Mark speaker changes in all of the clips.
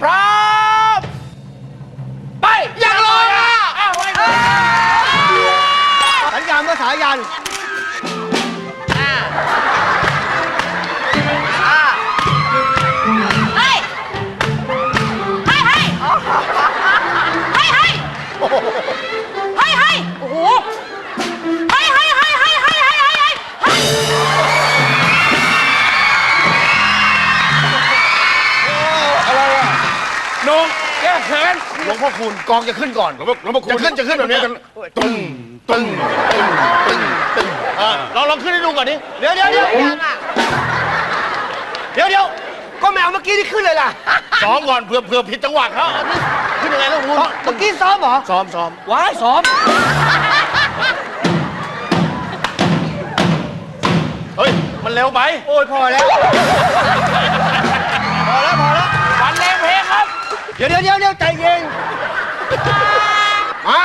Speaker 1: พร้อมไปยังลอยอ่ะ
Speaker 2: สัญญาณภาษายัน
Speaker 1: นงแก้เขิน
Speaker 3: หลวงพ่อคูณกองจะขึ้นก่อนหลวงพ่อคูณจะขึ้นแบบนี้ตึ้งตึ้งตึ้งตึ้งตึ้งลองขึ้นให้ดูก่อนดิ
Speaker 2: เดี๋ยวก็แมวเมื่อกี้ที่ขึ้นเลยล่ะ
Speaker 3: ซ้อมก่อนเผื่อผิดจังหวะเขาขึ้นยังไงลูกคุณ
Speaker 2: เมื่อกี้ซ้อมเหรอ
Speaker 3: ซ้อม
Speaker 2: ว้ายซ้อม
Speaker 3: เฮ้ยมันเร็วไป
Speaker 2: โอ้ยพอแล้ว
Speaker 1: วันเลงเพลงครับ
Speaker 2: เดี๋ยวใจเย็น
Speaker 3: มา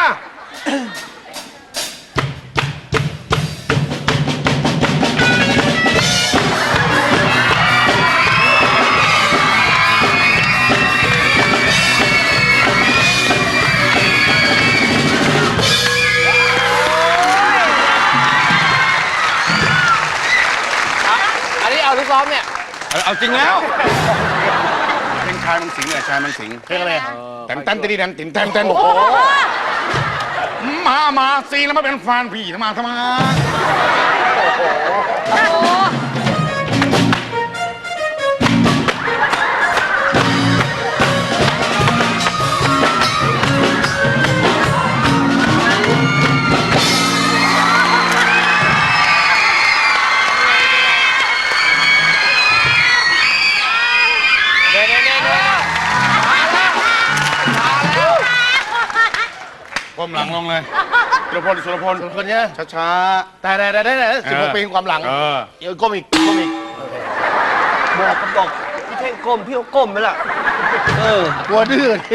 Speaker 1: อันนี้เอาลูกซ้อมเนี่ย
Speaker 3: เอาจริงแล้วเพลงชายมังสิงเนี่ยชายมังสิงเพลงอะไรแต่งตันตีดันติ่มแตนโอ้โหมาซีแล้วมาเป็นแฟนพี่ทำไมก้มหลังลงเลยสุรพลคนเนี้ยช้าแต่16 ปีความหลังเดี๋ยวก้มอีก
Speaker 2: บอกพี่เท่งก้มพี่ก็ก้มไปละ
Speaker 3: กลัวดื้อดิ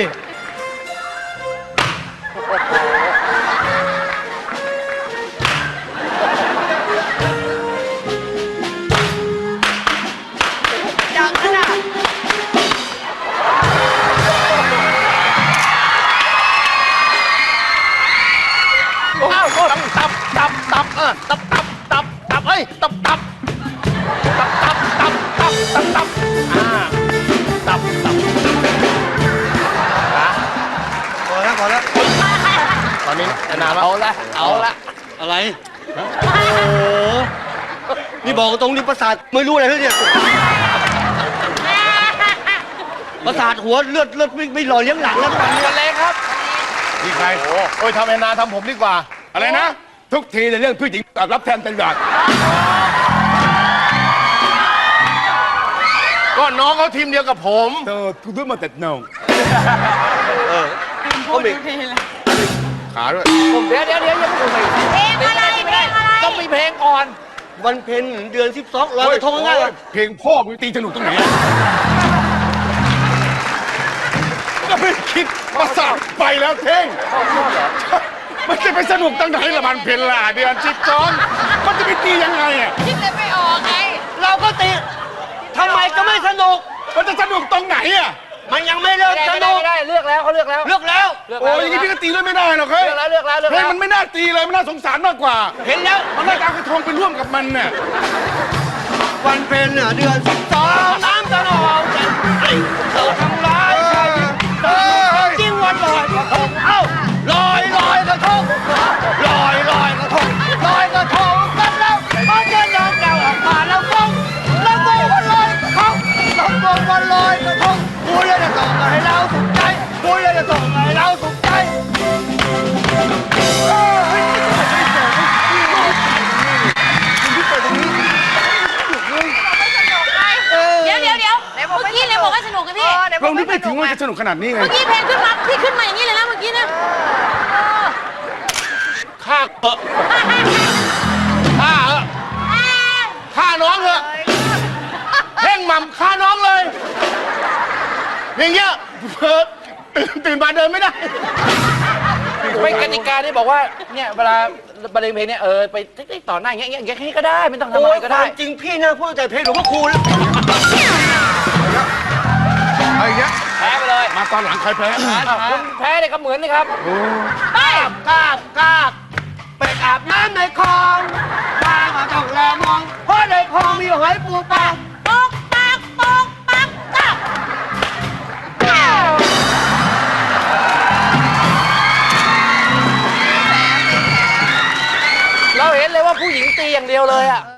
Speaker 3: ตับเอ้ยตับ
Speaker 2: พอแล้ว
Speaker 3: ตอนนี้นาน
Speaker 1: เอาละ
Speaker 2: อะไรโอ้โหนี่บอกตรงนี้ประสาทไม่รู้อะไรเลยเนี่ยประสาทหัวเลือดไม่หล่อเลี้ยงหลังแล้ว
Speaker 1: วันเลงครับ
Speaker 3: นี่ใครโอ้ยทำแอนนาทำผมดีกว่าอะไรนะทุกทีในเรื่องผู้หญิงรับแทนเป็นแบบก็น้องเขาทีมเดียวกับผมกูด้วยมาแต่น้อง
Speaker 2: ก้มอีก
Speaker 3: ขาด้วย
Speaker 1: เดี๋ยวยังไม่ถูก
Speaker 4: เพลงอะไร
Speaker 1: ต้องมีเพลงก่อน
Speaker 2: วันเพ็ญเดือน12ลอยกระทงง่าย
Speaker 3: เพลงพ่อมึงตีสนุกตรงไหนก็ไม่คิดประสาทไปแล้วเท่งมันจะไปสนุกตั้งไหนละมันเพ็ญล่ะเดือน12มันจะไปตียังไงอ่ะ
Speaker 4: คิดเลยไม่ออกไง
Speaker 2: เราก็ตีทำไมจะไม่สนุก
Speaker 3: มันจะสนุกตรงไหนอ่ะ
Speaker 2: มันยังไม่เลิกสนุก
Speaker 1: ได้เลือกแล้วเขาเลือกแล้ว
Speaker 3: โอ้ยอย่างนี้พี่ก็ตีด้วยไม่ได้หรอกเฮ้ย
Speaker 1: เลือกแล้ว
Speaker 3: เพลงมันไม่น่าตีเลยมันน่าสงสารมากกว่า
Speaker 2: เห็นแล้ว
Speaker 3: มันน่าจะเอากระทงไปร่วมกับมันเนี่ย
Speaker 2: วันเพ็ญเดือน12น้ำตะนองจันทร์เธอทำร้ายใจจริงวันลอยกระทงลอยกระทงลอยกระทงกันแล้วพอเจอน้องแก้วออกมาแล้วฟงวันลอยกระทงวันลอยกระทงพูดเลยจะส่งให้เราสุขใจพูดเลยจะส่งให้เราสุขใจ
Speaker 4: เดี๋ยวเมื่อกี้เลยบอกว่าสนุกกันพี่
Speaker 3: เรานึกไม่ถึงว่าจะสนุกขนาดนี้ไง
Speaker 4: เมื่อกี้เพลงขึ้นมาพี่ขึ้นมาอย่างนี้เลยนะเมื่อกี้นะ
Speaker 3: ฆ่าน้องเถอะเพ่งหม่ำฆ่าน้องเลยอย่างเงี้ยตื่นมาเดินไม่ได้
Speaker 1: ไม่กติกาที่บอกว่าเนี่ยเวลาบรรเลงเพลงเนี่ยไปต่อหน้าอย่างเงี้ยให้ก็ได้ไม่ต้องทำอะไรก็ได้
Speaker 2: จริงพี่นะพูดแต่เพลงหลวงพ่อคูณ
Speaker 3: ไอ้เงี้ย
Speaker 1: แพ้ไปเลย
Speaker 3: ตอนหลังใครแพ้
Speaker 1: คุณแพ้เลยครับเหมือนนี่ครับ
Speaker 4: ไป
Speaker 2: กาบไปอาบน้ำในคลองปลามาต้องแลมอง เพราะในคลองมีหอยปูปลา
Speaker 4: ปกปักปกปักกับ
Speaker 1: เราเห็นเลยว่าผู้หญิงตีอย่างเดียวเลยอ่ะ